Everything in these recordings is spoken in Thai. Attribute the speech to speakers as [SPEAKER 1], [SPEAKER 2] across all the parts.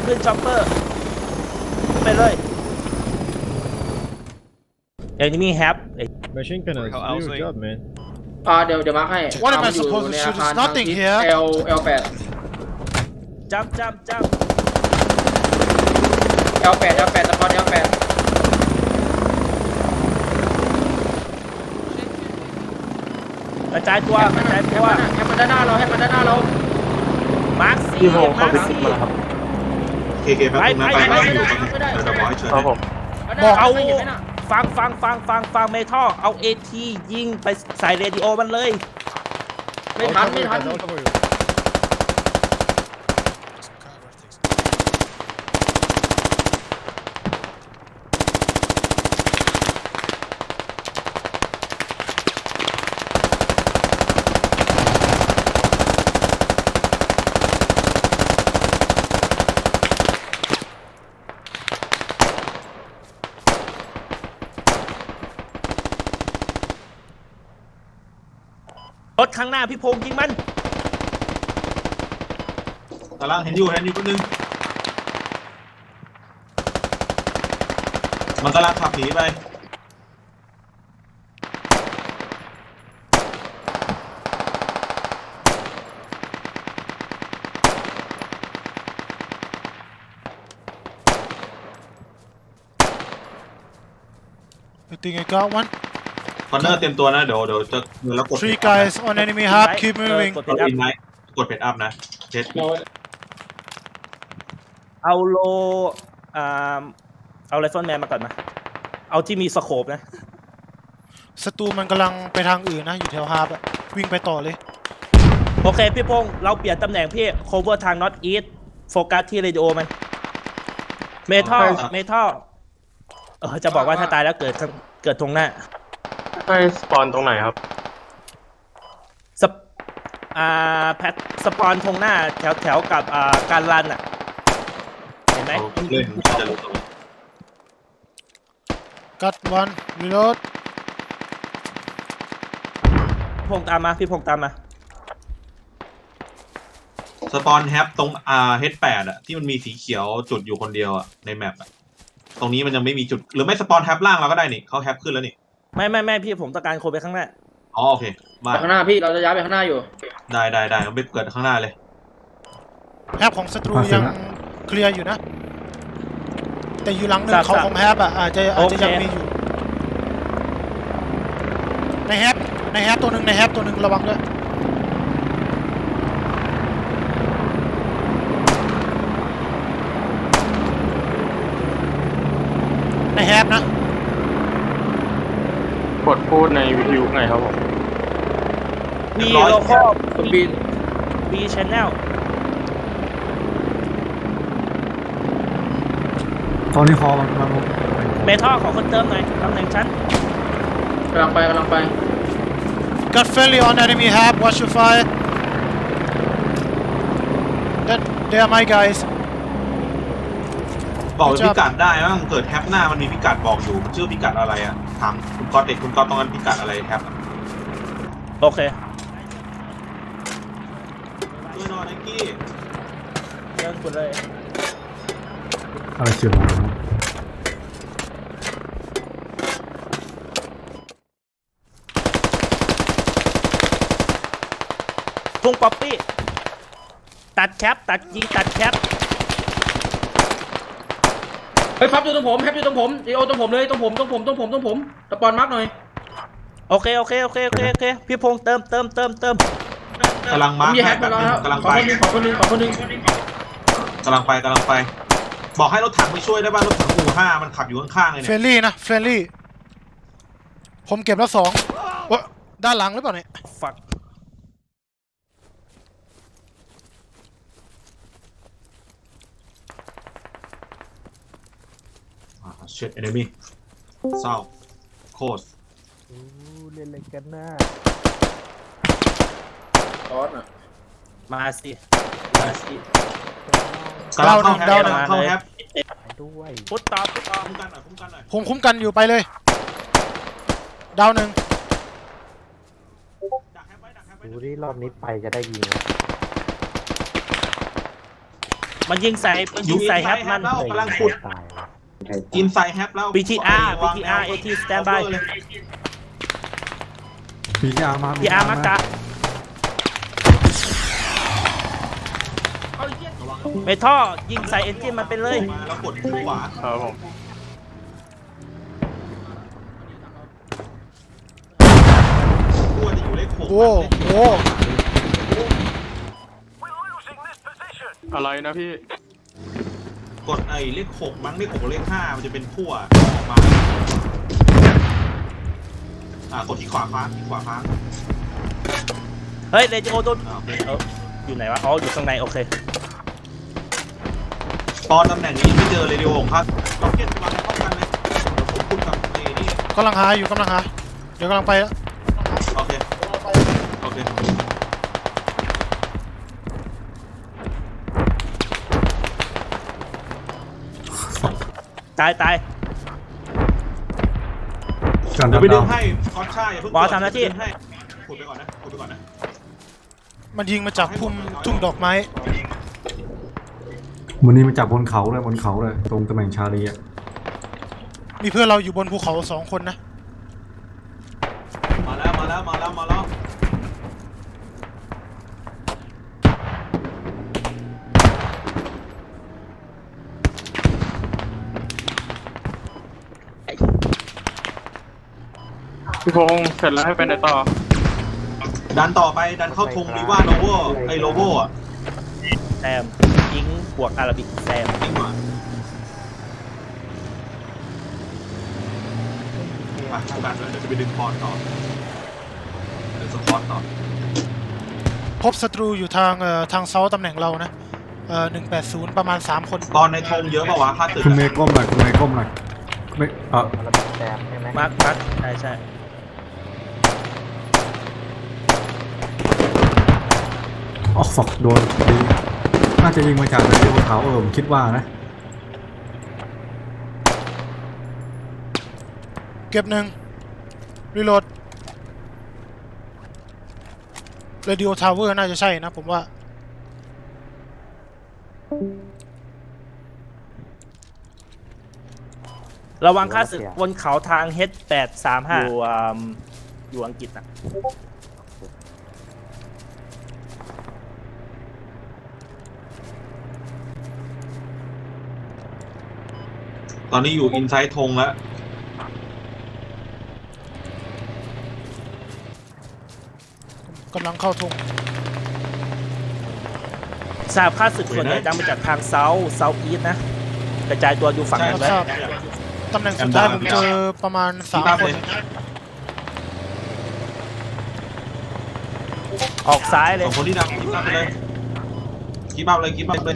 [SPEAKER 1] ขึ้นช็อปเปอร์ไปเลยenemy have
[SPEAKER 2] Machine gun is do your job, man.
[SPEAKER 3] เดี๋ยวมาร์คให้
[SPEAKER 4] What am I
[SPEAKER 3] มันอยู่
[SPEAKER 4] supposed to
[SPEAKER 3] ใน
[SPEAKER 4] shoot?
[SPEAKER 3] อาคาร
[SPEAKER 4] There's nothing
[SPEAKER 3] ทางทิศ
[SPEAKER 4] here.
[SPEAKER 3] L8
[SPEAKER 1] จับ
[SPEAKER 3] L8 สปอร์ต L8
[SPEAKER 1] กระจายตัวกระจายตัว
[SPEAKER 3] ให้มันด้านหน้าเรา
[SPEAKER 1] มาร์คซี่
[SPEAKER 5] พี่โฮ
[SPEAKER 1] มา
[SPEAKER 5] เข้า
[SPEAKER 1] ร์ค
[SPEAKER 5] ไปคิด
[SPEAKER 1] ซี่
[SPEAKER 5] มาแล้วครับ
[SPEAKER 6] เคตรงนั้นไปไม่อยู่เดี๋ยวบอกให้เชิญ
[SPEAKER 5] ครับผม
[SPEAKER 1] บอกเอา
[SPEAKER 3] ไม่เห็นไหมน่ะ
[SPEAKER 1] ฟังเมทัลเอา AT ยิงไปใส่เรดิโอมันเลย
[SPEAKER 3] ไม่ทัน
[SPEAKER 2] I'll cover you.
[SPEAKER 1] รถข้างหน้าพี่พงษ์ยิงมัน
[SPEAKER 6] กำลังเห็นอยู่คนนึงมันกำลังขับหนีไป
[SPEAKER 4] I think I got one.
[SPEAKER 6] คอนเนอร์เต็มตัวนะเดี๋ยวจะแล้วกด
[SPEAKER 4] Three guys on enemy hub. Keep moving.
[SPEAKER 1] กด
[SPEAKER 6] กดอินไนท์กดเพจอัพนะเช็ด
[SPEAKER 1] เอาโลเอาไรเฟิลแมนมาก่อนมาเอาที่มีสโคปนะ
[SPEAKER 4] ศัตรูมันกำลังไปทางอื่นนะอยู่แถวฮาร์บอะวิ่งไปต่อเลย
[SPEAKER 1] โอเคพี่พงษ์เราเปลี่ยนตำแหน่งพี่ cover ทาง north east โฟกัสที่เรดิโอมันเมทัลจะบอกว่าถ้าตายแล้วเกิดตรงหน้า
[SPEAKER 5] ให้สปอนตรงไหนครับ
[SPEAKER 1] แพทสปอนตรงหน้าแถวกับการรันอ่ะเห็นไหม
[SPEAKER 6] เล่นจะรู้ตัว
[SPEAKER 4] Got one. Reload.
[SPEAKER 1] พี่พงษ์ตามมา
[SPEAKER 6] สปอนแฮปตรงH8อ่ะที่มันมีสีเขียวจุดอยู่คนเดียวอ่ะในแมปอ่ะตรงนี้มันยังไม่มีจุดหรือไม่สปอนแฮปล่างเราก็ได้นี่เขาแฮปขึ้นแล้วนี่
[SPEAKER 1] ไม่พี่ผมต้องการคนไปข้างหน้า
[SPEAKER 6] อ๋อโอเคมา
[SPEAKER 3] ไปข้างหน้าพี่เราจะย้ายไปข้างหน้าอยู่
[SPEAKER 6] ได้เราไปเกิดข้างหน้าเลย
[SPEAKER 4] แฮปของศัตรูยังเคลียร์อยู่นะ แต่อยู่หลังหนึ่งเขาของแฮปอะอาจจะยังมีอยู่ ในแฮปตัวหนึ่งระวังด้วย ในแฮปนะ
[SPEAKER 5] กดพูดในวิทยุไงครับผม
[SPEAKER 1] มีโลคอล
[SPEAKER 3] คุณบิน
[SPEAKER 1] มีชแนล
[SPEAKER 2] ตอนนี้คอมัน
[SPEAKER 1] เมทัลขอคนเติมหน่อยตำแหน่งชั้น
[SPEAKER 3] กำลังไป
[SPEAKER 4] Got friendly on enemy hab. Watch your fire. They are my guys.
[SPEAKER 6] บอกพิกัดได้ว่าเกิดแฮปหน้ามันมีพิกัดบอกอยู่มันชื่อพิกัดอะไรอ่ะถามคุณก๊อตคุณก๊อตตรงนั้นพิกัดอะไรแฮป
[SPEAKER 1] โอเค
[SPEAKER 6] ช่วยหน่อยไนกี้
[SPEAKER 1] เดินคุณเลย
[SPEAKER 2] อะไรเชื่อมา
[SPEAKER 1] พุ่งป๊อปปี้ตัดแคปตัดยิงตัดแคป
[SPEAKER 3] เฮ้ยพับอยู่ตรงผมดีโอตรงผมเลยตรงผมสปอนมาร์คหน่อย
[SPEAKER 1] โอเคพี่พงษ์เติม
[SPEAKER 6] กำลังมาร์ค
[SPEAKER 3] มีแฮกมาแล้ว
[SPEAKER 6] กำลัง
[SPEAKER 3] ขอ
[SPEAKER 6] ไป
[SPEAKER 3] คนหนึ่ง
[SPEAKER 6] กำลังไปบอกให้รถถังไปช่วยได้ป่ะรถถังอู่5มันขับอยู่ข้างๆเลย
[SPEAKER 4] เฟร
[SPEAKER 6] เนี่ย
[SPEAKER 4] นลี่นะเฟรนลี่ผมเก็บแล้ว2ด้านหลังหรือเปล่าเนี่ย
[SPEAKER 1] ฝัก
[SPEAKER 6] เช็ดเอนเนมี่เศร้าโคส
[SPEAKER 2] เล่นอะไรกันน่ะ
[SPEAKER 3] ซอสอ่ะ
[SPEAKER 1] มาสิ
[SPEAKER 6] กำลังเข้าแฮป
[SPEAKER 2] ด้วย
[SPEAKER 1] พุทต่อ
[SPEAKER 6] คุ้มกันหน่อย
[SPEAKER 4] ผมคุ้มกันอยู่ไปเลยดาวหนึ่ง
[SPEAKER 6] ดักแฮปไว้
[SPEAKER 2] ดูที่รอบนี้ไปจะได้ยิง
[SPEAKER 1] มันยิงใส่แฮปมัน
[SPEAKER 6] แล้วกำลังขุด
[SPEAKER 2] ตายว่ะ
[SPEAKER 6] อินไซด์แฮปแล้ว
[SPEAKER 1] BTR
[SPEAKER 6] วางแนว
[SPEAKER 1] AT stand by
[SPEAKER 6] เลย
[SPEAKER 2] พีอาร์มา
[SPEAKER 1] PR มากะเมทัลยิงใส่เอนจินมันไปเลย
[SPEAKER 6] มาแล้วกดที่ขวา
[SPEAKER 5] ครับผม
[SPEAKER 6] ตัวจะอยู่เลขหก
[SPEAKER 4] โอ้โห
[SPEAKER 5] อะไรนะพี่
[SPEAKER 6] กดไอ้เลขหกมั้งเลขหกกับเลขห้ามันจะเป็นขั้วออกมากดที่ขวาฟ้าที่ขวาฟ้า
[SPEAKER 1] เฮ้ยเรดิโอโดน
[SPEAKER 6] โอเค
[SPEAKER 1] อยู่ไหนวะ อ๋อ อยู่ข้างใน โอเค
[SPEAKER 6] ตอนตำแหน่งนี้ไม่เจอเรดิโอของพัดล็อกเก็ตวางในป้องกันเลยเดี๋ยวผมพูดกับไอ้นี่
[SPEAKER 4] กำลังหาอยู่กำลังหาเดี๋ยวกำลังไปแล้ว
[SPEAKER 6] โอเคโอเค
[SPEAKER 1] ตาย
[SPEAKER 2] กัน
[SPEAKER 6] เดี๋ยว
[SPEAKER 2] ดำ
[SPEAKER 6] ไปดึ
[SPEAKER 2] ดาง ว
[SPEAKER 6] ให้คอสชาอย่าเพิ่ง
[SPEAKER 1] บอสทำหน้าที่
[SPEAKER 6] ดึงให้ขุดไปก่อนนะขุดไปก่อนนะ
[SPEAKER 4] มันยิงมาจากพุ่มทุ่งดอกไม้
[SPEAKER 2] วันนี้มาจากบนเขาเลยตรงตำแหน่งชาลีอ่ะ
[SPEAKER 4] มีเพื่อนเราอยู่บนภูเขา2 คนนะ
[SPEAKER 6] มาแล้ว
[SPEAKER 5] พี่พงษ์เสร็จแล้วให้ไปไหนต่อ
[SPEAKER 6] ดันต่อไปดันเข้าธงรีว่าโนโวไอ้โลโวอ่ะ
[SPEAKER 1] แซม ยิงบวกอาราบิกแซม
[SPEAKER 6] จริงว่ะไปคู่กันเลยเดี๋ยวจะไปดึงพรต่อเดี๋ยวสปอตต่อ
[SPEAKER 4] พบศัตรูอยู่ทางเซาตำแหน่งเรานะ180ประมาณ3 คน
[SPEAKER 6] ตอนในธงเยอะป่าวะค่าตึก
[SPEAKER 2] คุณเมย์ก้มหน่อยคุณเมย์ก้มหน่อยไม่
[SPEAKER 1] มาร์คใช่
[SPEAKER 2] อ๋อฝักโดนยิงน่าจะยิงมาจากเรดิโอเขาผมคิดว่านะ
[SPEAKER 4] เก็บ1รีโหลดเรดิโอทาวเวอร์น่าจะใช่นะผมว่า
[SPEAKER 1] ระวังค่าศึกบนเขาทาง H835 อยู่อังกฤษอ่ะ
[SPEAKER 6] ตอนนี้อยู่อินไซด์ธงแล้ว
[SPEAKER 4] กำลังเข้าธง
[SPEAKER 1] ทราบค่าศึกส่วนใหญ่ดังมาจากทางเซาท์อีสนะ กระจายตัวอยู่ฝั่งนั้นไว้
[SPEAKER 4] ทราบตำแหน่งสุดท้ายผมเจอประมาณ3 คน
[SPEAKER 1] ออกซ้ายเล
[SPEAKER 6] ส
[SPEAKER 1] ย
[SPEAKER 6] องคนที่ดังกิ๊บอัพไปเลยกิ๊บอัพเลย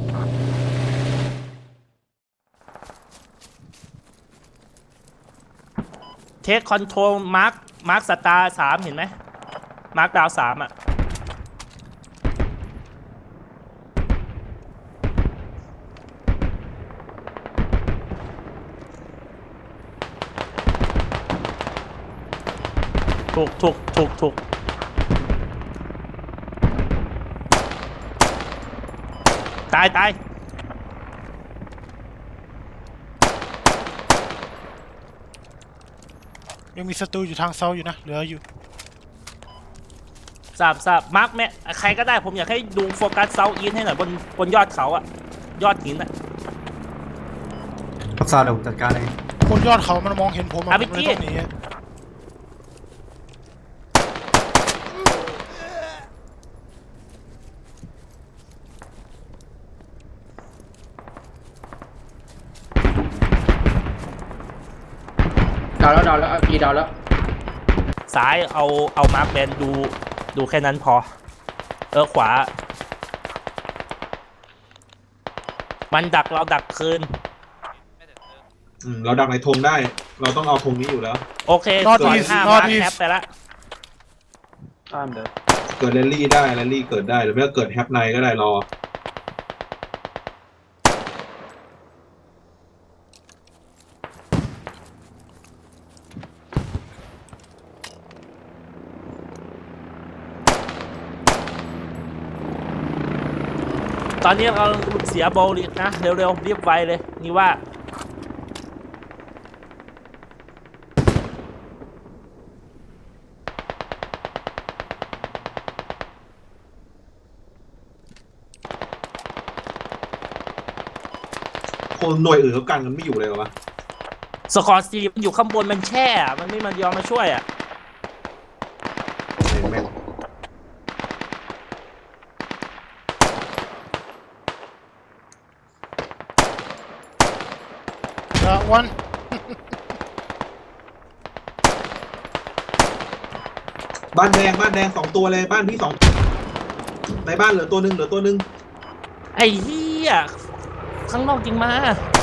[SPEAKER 1] เทคคอนโทรลมาร์คสตาร์3เห็นไหม มาร์คดาว3อ่ะ ถูก ตาย
[SPEAKER 4] ยังมีศัตรูอยู่ทางเซาอยู่นะเหลืออยู่
[SPEAKER 1] ทราบมาร์คแม่ใครก็ได้ผมอยากให้ดูโฟกัสเซาท์อีสให้หน่อยบนยอดเขาอะยอดหินอะ
[SPEAKER 2] พักซาเดี๋ยวผมจัดการเอง
[SPEAKER 4] บนยอดเขามันมองเห็นผมอะ
[SPEAKER 1] อ่ะ
[SPEAKER 4] ผมเลย
[SPEAKER 1] พี่
[SPEAKER 4] ต้องหนีอะ
[SPEAKER 3] ดาวแล้วกี่ดาวแล้ว
[SPEAKER 1] ซ้ายเอามาร์คแบนดูแค่นั้นพอ ขวา มันดักเราดักคืน
[SPEAKER 6] เราดักในธงได้ เราต้องเอาธงนี้อยู่แล้ว
[SPEAKER 1] โอเคส่วน5มาร์คแคปไปละ
[SPEAKER 6] เกิดแรลลี่ได้แรลลี่เกิดได้หรือไม่ก็เกิดแฮปไนก็ได้รอ
[SPEAKER 1] ตอนนี้เราเสียโบลิสนะ เร็วๆรีบไวเลยนี่ว่า
[SPEAKER 6] คนหน่วยอื่นเขากันกันไม่อยู่เลยเหรอวะ
[SPEAKER 1] สกอร์ซีมันอยู่ข้างบนมันแช่อะมันไม่มันยอมมาช่วยอ่ะ
[SPEAKER 6] แม่ง
[SPEAKER 4] วัน
[SPEAKER 6] บ้านแดง2 ตัวเลยบ้านพี่2ในบ้านเหลือตัวหนึ่ง
[SPEAKER 1] ไอ้เหี้ยข้างนอกจริงมา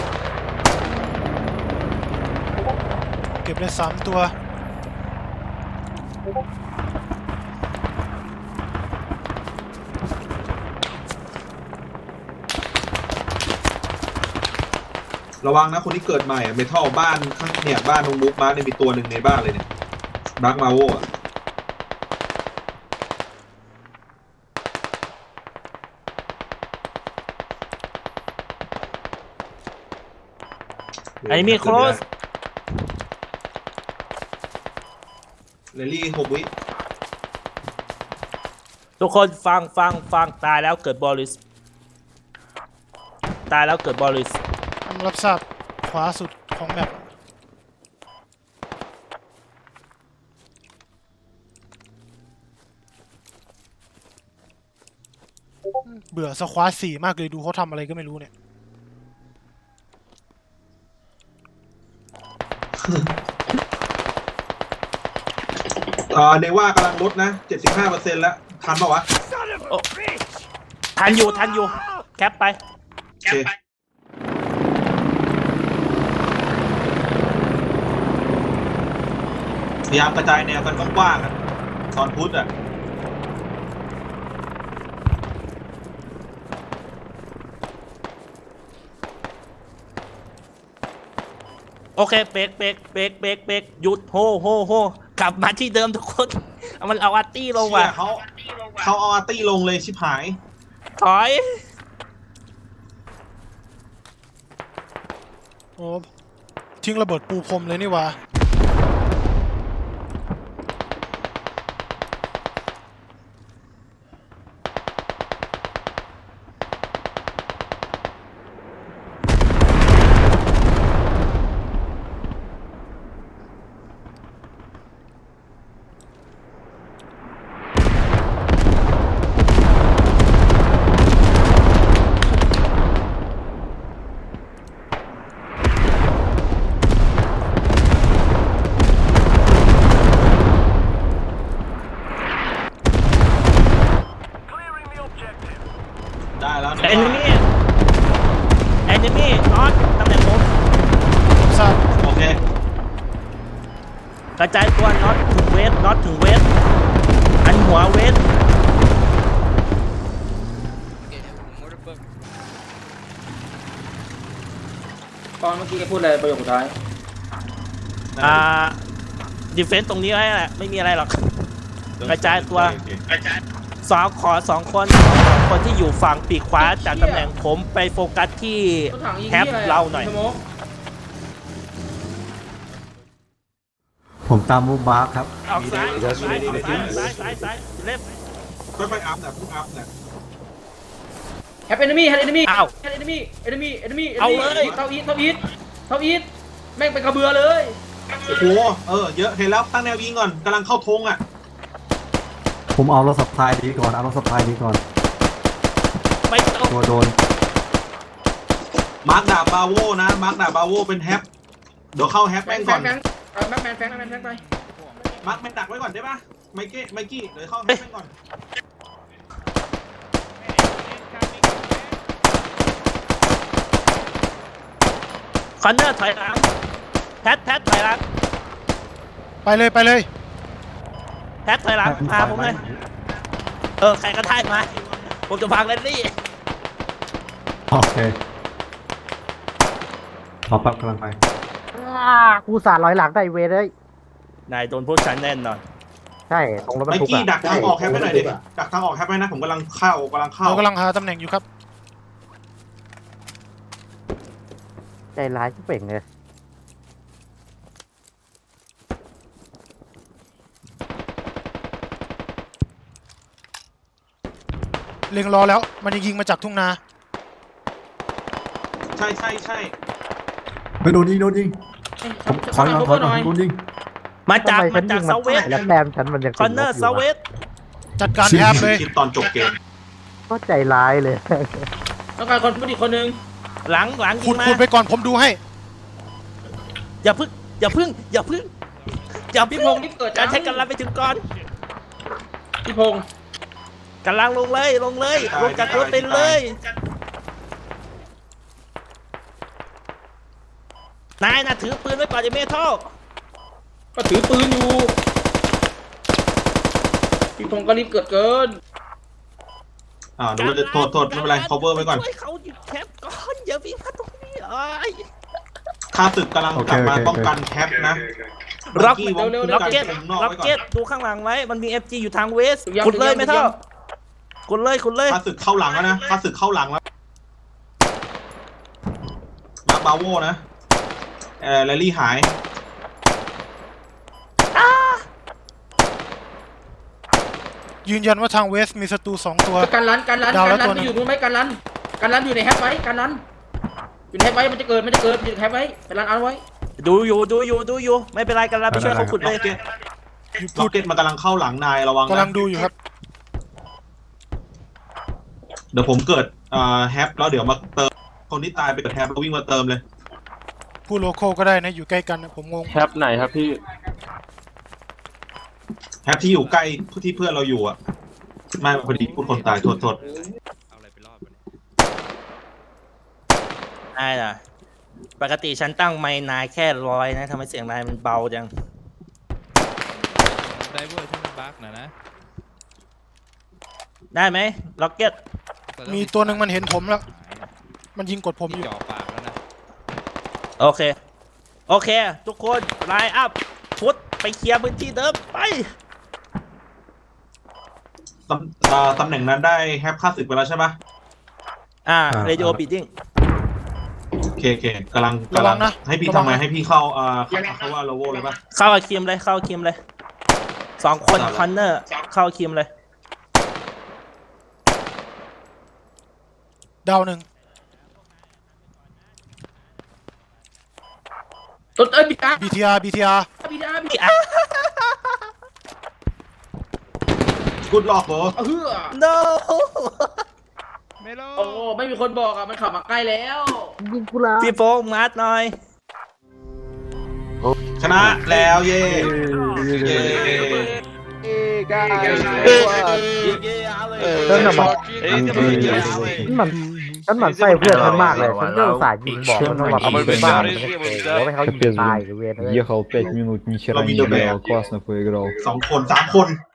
[SPEAKER 4] เก็บได้3 ตัว
[SPEAKER 6] ระวังนะคนที่เกิดใหม่อะเมทัลบ้านข้างเนี่ยบ้านตรงมุกมาร์คเนี่ยมีตัวหนึ่งในบ้านเลยเนี่ยดักมาโวอะ
[SPEAKER 1] ไอ้มีโคลส
[SPEAKER 6] เลลี่6 วิ
[SPEAKER 1] ทุกคนฟังตายแล้วเกิดบอลิสตายแล้วเกิดบอลิส
[SPEAKER 4] รับทราบขวาสุดของแมปเบื่อสควอต4มากเลยดูเขาทำอะไรก็ไม่รู้เนี่ย
[SPEAKER 6] เนว่ากำลังลดนะ 75%แล้วทันปะวะ
[SPEAKER 1] ทันอยู่แคปไป
[SPEAKER 6] โอเคพยายามกระจายแนวกันกว้างๆอะตอนพุทธอ่ะ
[SPEAKER 1] โอเคเบรกหยุดโฮกลับมาที่เดิมทุกคนเอามันเอาอาร์ตี้ลงว่ะ
[SPEAKER 6] เชี่ยเขาเอาอาร์ตี้ลงเลยชิบหาย
[SPEAKER 1] ถอย
[SPEAKER 4] โอ้ทิ้งระเบิดปูพรมเลยนี่หว่า
[SPEAKER 6] ได้แล้ว
[SPEAKER 1] เอนมี่น็อตตำแหน่งผม
[SPEAKER 4] ทราบ
[SPEAKER 6] โอเค
[SPEAKER 1] กระจายตัวน็อตถึงเวสอันหัวเวส
[SPEAKER 3] ตอนเมื่อกี้แกพูดอะไรประโยคสุดท้าย
[SPEAKER 1] ดิเฟนต์ตรงนี้ไว้แหละไม่มีอะไรหรอก กระจายตัว
[SPEAKER 6] โอเค
[SPEAKER 1] สองคนที่อยู่ฝั่งปีกขวาจากตำแหน่งผมไปโฟกัสที่
[SPEAKER 3] รถถังยิง
[SPEAKER 1] แฮป
[SPEAKER 3] ที่อะไร
[SPEAKER 1] เราหน่อย
[SPEAKER 3] สโมก
[SPEAKER 2] ผมตามมูบาร์คครับ
[SPEAKER 1] ออกซ้ายเล็บ
[SPEAKER 6] ค่อยๆอัพนะเพิ่งอัพนะ
[SPEAKER 3] แฮปเอนมี่
[SPEAKER 1] อ้าว
[SPEAKER 3] แฮปเอนมี่
[SPEAKER 1] เอาเลย
[SPEAKER 3] เท่าอีทแม่งเป็นกระเบือเลย
[SPEAKER 6] โอ้โหเยอะเห็นแล้วตั้งแนวยิงก่อนกำลังเข้าธงอ่ะ
[SPEAKER 2] ผมเอารถสปายดีก่อนเอารถสปายดีก่อน
[SPEAKER 1] ไปตรง
[SPEAKER 2] ตัวโดน
[SPEAKER 6] มาร์คดาบบาโวนะมาร์คดาบบาโวเป็นแฮปเดี๋ยวเข้าแฮป
[SPEAKER 3] แฟ
[SPEAKER 6] แม่
[SPEAKER 3] ง
[SPEAKER 6] งก่อน
[SPEAKER 3] แม็กแมนไป
[SPEAKER 6] มาร์คแม่งดักไว้ก่อนได้ปะไมกี้เดี๋ยวเข้าแฮปแม่งก่อน
[SPEAKER 1] คอนเนอร์ถอยหลังแพทถอยหลัง
[SPEAKER 4] ไปเลย
[SPEAKER 1] แพทถอยหลังพาผมเลยใครก็ได้มาผมจะพังเลนลี่
[SPEAKER 2] โอเครอแป๊บกำลังไป
[SPEAKER 7] กูสาดร้อยหลังได้เวรเลย
[SPEAKER 1] นายโดนพวกฉันแน่นอน
[SPEAKER 7] ใช่ตรงรถบร
[SPEAKER 6] ไม
[SPEAKER 7] รทุก
[SPEAKER 6] กี้
[SPEAKER 7] อะ
[SPEAKER 6] ดักทางออกแฮปให้หน่อยดิดักทางออกแฮปให้นะผมกำลังเข้า
[SPEAKER 4] เรากำลังหาตำแหน่งอยู่ครับ
[SPEAKER 7] ใจร้ายชิบเป่งเลย
[SPEAKER 4] เล็งรอแล้วมันจะยิงมาจากทุ่งนา
[SPEAKER 6] ใช่ใช่ใช่
[SPEAKER 2] ไปโดนยิงผมถอยมาโดนยิง
[SPEAKER 1] มาจาก
[SPEAKER 7] ทำไมฉันยิง
[SPEAKER 1] เซาเวส
[SPEAKER 7] แล้วแต้มฉันมันยัง
[SPEAKER 1] คอนเนอร์เซาเวส
[SPEAKER 4] จัดการแฮปเลย
[SPEAKER 6] คิดตอนจบเกม
[SPEAKER 7] ก็ใจร้ายเลย
[SPEAKER 3] ต้องการคนพูดอีกคนนึง
[SPEAKER 1] หลังยิ
[SPEAKER 4] ขุ
[SPEAKER 1] ง
[SPEAKER 4] ด
[SPEAKER 1] มา
[SPEAKER 4] ขุดไปก่อนผมดูให้
[SPEAKER 1] อย่าพึ่ง
[SPEAKER 3] พี่พงศ์นี่เกิด
[SPEAKER 1] การใช้กำลังไปถึงก่อน
[SPEAKER 3] พี่พงศ์
[SPEAKER 1] กำลังลงเลยลงจากรถไปเลยนายน่ะถือปืนไว้ก่อนจะเมทัล
[SPEAKER 3] ก็ถือปืนอยู่พี่พงศ์ก็รีบเกิดเกิน
[SPEAKER 6] ดูว่าจะโทษไม่เป็นไร cover ไว้ก่อน
[SPEAKER 1] ช่วยเขาหยุดแคปก่อนอย่าวิ่งมาตรงนี้เอ้ย
[SPEAKER 6] ข้าศึกกำลังกลับมาป้องกันแคปนะ
[SPEAKER 1] ล็อก
[SPEAKER 6] กี้วง
[SPEAKER 1] ล็อกเก็ต
[SPEAKER 6] นอก
[SPEAKER 1] ล็อก
[SPEAKER 6] ไว้ก่อ
[SPEAKER 1] เก็ต
[SPEAKER 6] น
[SPEAKER 1] ดูข้างหลังไว้มันมี FG อยู่ทางเวสขุดเลยเมทัลขุดเลย
[SPEAKER 6] ข้าศึกเข้าหลังแล้วนะข้าศึกเข้าหลังแล้วมาบาโวนะแรลลี่หาย
[SPEAKER 4] ยืนยันว่าทางเวสมีศัตรู2 ตัว
[SPEAKER 3] การรัน
[SPEAKER 4] ดาวแล้วตัว
[SPEAKER 3] ไป
[SPEAKER 4] หนึ่ง
[SPEAKER 3] อยู่นู้นไหมการรันอยู่ในแฮปไว้การรันอยู่ในแฮปไว้มันจะเกิดอยู่ในแฮปไว้การรันเอาไว้
[SPEAKER 1] ดูอยู่ไม่เป็นไรกันแล้วไปช่วยเขาขุดเลย
[SPEAKER 6] ล็อกเก็ตมันกำลังเข้าหลังนายระวัง
[SPEAKER 4] กำลั
[SPEAKER 6] นะ
[SPEAKER 4] งดูอยู่ครับ
[SPEAKER 6] เดี๋ยวผมเกิดแฮปแล้วเดี๋ยวมาเติมคนที่ตายไปเกิดแฮปแล้ววิ่งมาเติมเลย
[SPEAKER 4] ผู้โลโก้ก็ได้นะอยู่ใกล้กันนะผมงง
[SPEAKER 5] แฮปไหนครับพี่
[SPEAKER 6] แฮปที่อยู่ใกล้ที่เพื่อนเราอยู่อ่ะไม่พอดีพูดคนตายโทษ
[SPEAKER 1] ได้ล่ะปกติฉันตั้งไมค์นายแค่100นะทำไมเสียงนายมันเบาจัง
[SPEAKER 8] ไดเวอร์ที่มันบั๊กนะ
[SPEAKER 1] ได้ไหมล็อกเก็ต
[SPEAKER 4] มีตัวหนึ่งมันเห็นผมแล้ว มันยิงกดผมอยู่
[SPEAKER 8] จ่อปากแล้วนะ
[SPEAKER 1] โอเค ทุกคนไลน์อัพพุทไปเคลียร์พื้นที่เดิมไป
[SPEAKER 6] ตำแหน่งนั้นได้แฮปค่าศึกไปแล้วใช่ปะ
[SPEAKER 1] เรดิโอบีดิ้ง
[SPEAKER 6] โอเคกำลัง
[SPEAKER 4] ระวังนะ
[SPEAKER 6] ให้พี่ทำไงให้พี่เข้าเขาว่าโลโวเลยปะ
[SPEAKER 1] เข้ากับคิมเลย2 คนคอนเนอร์เข้าคิมเลย
[SPEAKER 4] ดาวหนึ่ง
[SPEAKER 3] ต้นบิดา
[SPEAKER 4] BTR
[SPEAKER 6] กูดหลอกเหรอ
[SPEAKER 3] เฮือ
[SPEAKER 1] no
[SPEAKER 8] ไม่รอ
[SPEAKER 3] โอ้ไม่มีคนบอกอ่ะมันขับมาใกล้แล้ว
[SPEAKER 7] ยิงกูละ
[SPEAKER 1] พี่โฟงมาร์ทหน่อย
[SPEAKER 6] ชนะแล้วเย่เย่
[SPEAKER 7] ฉันน่ะมันหมั่นไส้เพื่อนฉันมากเลยฉันก็อุตส่าห์ยิงบอกมันว่ามันเป็นบ้ามันจะเก่งแล้วให้เขายิงตายหรือเวรเลย
[SPEAKER 9] Ехал 5 минут, ни хера не играл, классно поиграл.
[SPEAKER 6] 2 คน 3 คน